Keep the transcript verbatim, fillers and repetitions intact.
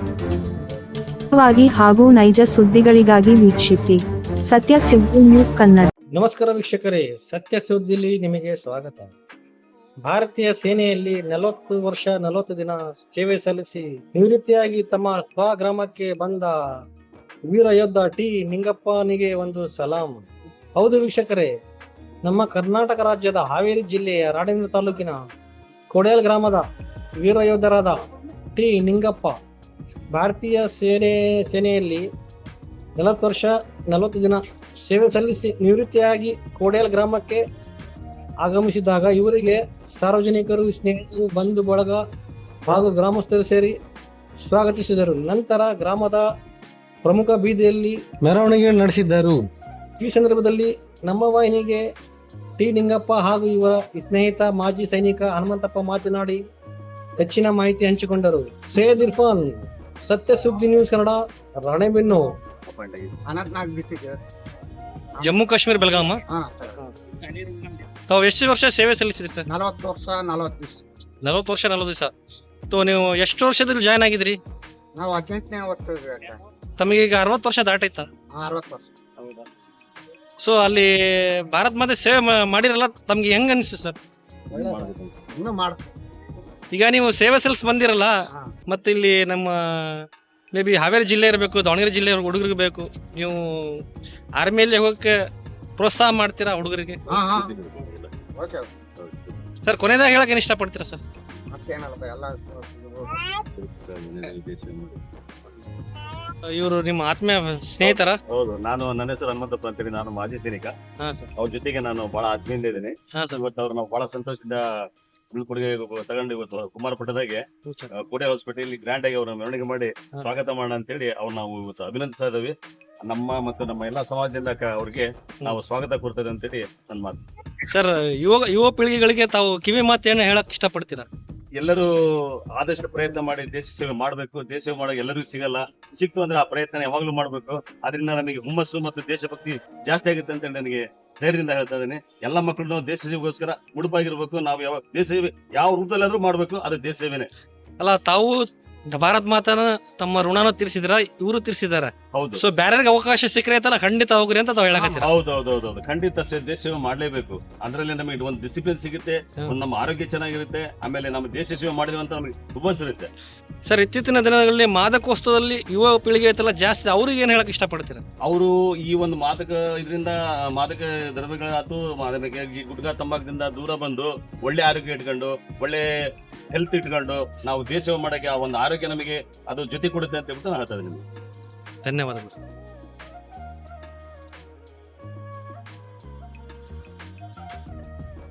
ವಾಗಿ ಹಾಗೂ ನೈಜ ಸುದ್ದಿಗಳಿಗಾಗಿ ವೀಕ್ಷಿಸಿ ಸತ್ಯ ಸುದ್ದಿ ನ್ಯೂಸ್ ಕನ್ನಡ. ನಮಸ್ಕಾರ ವೀಕ್ಷಕರೇ, ಸತ್ಯ ಸುದ್ದಿಲಿ ನಿಮಗೆ ಸ್ವಾಗತ. ಭಾರತೀಯ ಸೇನೆಯಲ್ಲಿ ನಲವತ್ತು ವರ್ಷ ನಲವತ್ತು ದಿನ ಸೇವೆ ಸಲ್ಲಿಸಿ ನಿವೃತ್ತಿಯಾಗಿ ತಮ್ಮ ಸ್ವಗ್ರಾಮಕ್ಕೆ ಬಂದ ವೀರ ಯೋಧ ಟಿ ನಿಂಗಪ್ಪನಿಗೆ ಒಂದು ಸಲಾಂ. ಹೌದು ವೀಕ್ಷಕರೇ, ನಮ್ಮ ಕರ್ನಾಟಕ ರಾಜ್ಯದ ಹಾವೇರಿ ಜಿಲ್ಲೆಯ ರಾಣೆಬೆನ್ನೂರು ತಾಲೂಕಿನ ಕೊಡೇಲ್ ಗ್ರಾಮದ ವೀರ ಯೋಧರಾದ ಟಿ ನಿಂಗಪ್ಪ ಭಾರತೀಯ ಸೇನೆ ಸೇನೆಯಲ್ಲಿ ನಲವತ್ತು ವರ್ಷ ನಲವತ್ತು ದಿನ ಸೇವೆ ಸಲ್ಲಿಸಿ ನಿವೃತ್ತಿಯಾಗಿ ಕೋಡೇಲ್ ಗ್ರಾಮಕ್ಕೆ ಆಗಮಿಸಿದಾಗ ಇವರಿಗೆ ಸಾರ್ವಜನಿಕರು, ಸ್ನೇಹಿತರು, ಬಂಧು ಬಳಗ ಹಾಗೂ ಗ್ರಾಮಸ್ಥರು ಸೇರಿ ಸ್ವಾಗತಿಸಿದರು. ನಂತರ ಗ್ರಾಮದ ಪ್ರಮುಖ ಬೀದಿಯಲ್ಲಿ ಮೆರವಣಿಗೆ ನಡೆಸಿದ್ದರು. ಈ ಸಂದರ್ಭದಲ್ಲಿ ನಮ್ಮ ವಾಹಿನಿಗೆ ಟಿ ನಿಂಗಪ್ಪ ಹಾಗೂ ಇವರ ಸ್ನೇಹಿತ ಮಾಜಿ ಸೈನಿಕ ಹನುಮಂತಪ್ಪ ಮಾತನಾಡಿ ಹೆಚ್ಚಿನ ಮಾಹಿತಿ ಹಂಚಿಕೊಂಡರು. ಸೈಯದ್ ಇರ್ಫಾನ್, ಸತ್ಯ ಸುದ್ದಿ ನ್ಯೂಸ್ ಕನ್ನಡ, ರಾಣೆಬೆನ್ನೂರು. ಜಮ್ಮು ಕಾಶ್ಮೀರ ಬೆಳಗಾಮ. ತಾವು ಎಷ್ಟು ವರ್ಷ ಸೇವೆ ಸಲ್ಲಿಸಿದ್ರಿ ಸರ್? ನಲವತ್ತು ವರ್ಷ ನಲವತ್ತು ದಿವಸ. ನಲವತ್ತು ವರ್ಷ ನಲವತ್ತು ದಿವಸ. ತೋ ನೀವು ಎಷ್ಟು ವರ್ಷದಲ್ಲಿ ಜಾಯ್ನ್ ಆಗಿದ್ರಿ? ನಾವು ಹದಿನೆಂಟನೇ ವರ್ಷ. ತಮಗೆ ಈಗ ಅರವತ್ತು ವರ್ಷ ದಾಟೈತಾ? ಅರವತ್ತು ವರ್ಷ. ಸೊ ಅಲ್ಲಿ ಭಾರತ್ ಮಾತೆ ಸೇವೆ ಮಾಡಿರಲ್ಲ, ತಮ್ಗೆ ಹೆಂಗ್ ಅನಿಸ್ತು ಸರ್? ಇನ್ನು ಮಾಡ ಈಗ ನೀವು ಸೇವೆ ಸಲ್ಲಿಸಿ ಬಂದಿರಲ್ಲ, ಮತ್ತೆ ಇಲ್ಲಿ ನಮ್ಮ ಮೇ ಬಿ ಹಾವೇರಿ ಜಿಲ್ಲೆ ಇರಬೇಕು, ದಾವಣಗೆರೆ ಜಿಲ್ಲೆ ಹುಡುಗರಿಗೆ ಬೇಕು, ನೀವು ಆರ್ಮಿಯಲ್ಲಿ ಹೋಗಕ್ಕೆ ಪ್ರೋತ್ಸಾಹ ಮಾಡ್ತೀರಾ ಹುಡುಗರಿಗೆ? ಸರ್, ಕೊನೆಯದಾಗ ಹೇಳಕ್ ಏನ್ ಇಷ್ಟಪಡ್ತೀರಾ ಸರ್? ಮತ್ತೇನಲ್ಲ ಎಲ್ಲ ಇವರು ನಿಮ್ಮ ಆತ್ಮೀಯ ಸ್ನೇಹಿತರ? ಹೌದು, ನಾನು ನನ್ನ ಹೆಸರು ಹನುಮಂತಪ್ಪ ಅಂತೇಳಿ, ನಾನು ಮಾಜಿ ಸೈನಿಕ. ಅವ್ರ ಜೊತೆಗೆ ನಾನು ಬಹಳ ಆತ್ಮೀಯಿಂದ ಇದ್ದೇನೆ. ಇವತ್ತು ಅವ್ರು ನಾವು ಬಹಳ ಸಂತೋಷದಿಂದ ಬೀಳ್ಕೊಡುಗೆ ತಗೊಂಡು ಇವತ್ತು ಕುಮಾರ ಪಟ್ಟದಾಗೆ ಕೋಟೆ ಹಾಸ್ಪಿಟಲ್ ಗ್ರ್ಯಾಂಡ್ ಆಗಿ ಅವ್ರನ್ನ ಮೆರವಣಿಗೆ ಮಾಡಿ ಸ್ವಾಗತ ಮಾಡೋಣ ಅಂತ ಹೇಳಿ ಅವ್ರು ನಾವು ಇವತ್ತು ಅಭಿನಂದಿಸ್ತಾ ಇದ್ದೀವಿ. ನಮ್ಮ ಮತ್ತು ನಮ್ಮ ಎಲ್ಲಾ ಸಮಾಜದಿಂದ ಅವ್ರಿಗೆ ನಾವು ಸ್ವಾಗತ ಕೊಡ್ತೇವೆ ಅಂತೇಳಿ ನನ್ನ ಮಾತು. ಸರ್, ಯುವ ಯುವ ಪೀಳಿಗೆಗಳಿಗೆ ತಾವು ಕಿವಿ ಮಾತೇನು ಹೇಳಕ್ ಇಷ್ಟಪಡ್ತೀರಾ? ಎಲ್ಲರೂ ಆದಷ್ಟು ಪ್ರಯತ್ನ ಮಾಡಿ ದೇಶ ಸೇವೆ ಮಾಡಬೇಕು. ದೇಶ ಸೇವೆ ಮಾಡೋಕೆ ಎಲ್ಲರಿಗೂ ಸಿಗಲ್ಲ, ಸಿಕ್ತು ಅಂದ್ರೆ ಆ ಪ್ರಯತ್ನ ಯಾವಾಗ್ಲೂ ಮಾಡಬೇಕು. ಅದರಿಂದ ನಮಗೆ ಹುಮ್ಮಸ್ಸು ಮತ್ತು ದೇಶಭಕ್ತಿ ಜಾಸ್ತಿ ಆಗುತ್ತೆ ಅಂತ ನನಗೆ ಧೈರ್ಯದಿಂದ ಹೇಳ್ತಾ ಇದ್ದೇನೆ. ಎಲ್ಲ ಮಕ್ಕಳು ದೇಶ ಸೇವೆಗೋಸ್ಕರ ಮುಡುಪಾಗಿರ್ಬೇಕು. ನಾವು ಯಾವ ದೇಶ ಸೇವೆ ಯಾವ ರೂಪದಲ್ಲಾದ್ರೂ ಮಾಡ್ಬೇಕು, ಅದು ದೇಶ ಸೇವೆನೆ ಅಲ್ಲ. ತಾವು ಭಾರತ್ ಮಾತನ ತಮ್ಮ ಋಣನ ತೀರ್ಸಿದ್ರ, ಇವರು ತೀರ್ಸಿದಾರೆ. ಹೌದು. ಸೊ ಬೇರೆಗೆ ಅವಕಾಶ ಸಿಕ್ಕರೆ ಖಂಡಿತ ಹೋಗ್ರಿ ಅಂತ ತಾವು ಹೇಳಕತ್ತೀರ? ಹೌದೌದೌದು, ಖಂಡಿತ ದೇಶ ಸೇವೆ ಮಾಡ್ಲೇಬೇಕು. ಅದ್ರಲ್ಲಿ ನಮಗೆ ಒಂದು ಡಿಸಿಪ್ಲಿನ್ ಸಿಗುತ್ತೆ, ಒಂದು ನಮ್ಮ ಆರೋಗ್ಯ ಚೆನ್ನಾಗಿರುತ್ತೆ, ಆಮೇಲೆ ನಮ್ಮ ದೇಶ ಸೇವೆ ಮಾಡಿದ್ವಿ ಅಂತ ನಮಗೆ ಹುಮ್ಮಸ್ ಇರುತ್ತೆ. ಸರ್, ಇತ್ತೀಚಿನ ದಿನಗಳಲ್ಲಿ ಮಾದಕೋತ್ಸವದಲ್ಲಿ ಯುವ ಪೀಳಿಗೆ ಐತಲ್ಲ ಜಾಸ್ತಿ, ಅವ್ರಿಗೆ ಏನ್ ಹೇಳಕ್ ಇಷ್ಟಪಡ್ತೀರ? ಅವರು ಈ ಒಂದು ಮಾದಕ ಇದರಿಂದ ಮಾದಕ ದ್ರವ್ಯಗಳಾತು ಗುಟ್ಕಾ ತಂಬಾಕದಿಂದ ದೂರ ಬಂದು ಒಳ್ಳೆ ಆರೋಗ್ಯ ಇಟ್ಕೊಂಡು ಒಳ್ಳೆ ಹೆಲ್ತ್ ಇಟ್ಕೊಂಡು ನಾವು ದೇಶ ಸೇವೆ ಮಾಡಕ್ಕೆ ಆ ಒಂದು ಆರೋಗ್ಯ ನಮಗೆ ಅದು ಜೊತೆ ಕೊಡುತ್ತೆ ಅಂತ ಹೇಳ್ಬಿಟ್ಟು ನಾನು ಹೇಳ್ತಾ ಇದ್ದೀನಿ. ಧನ್ಯವಾದಗಳು.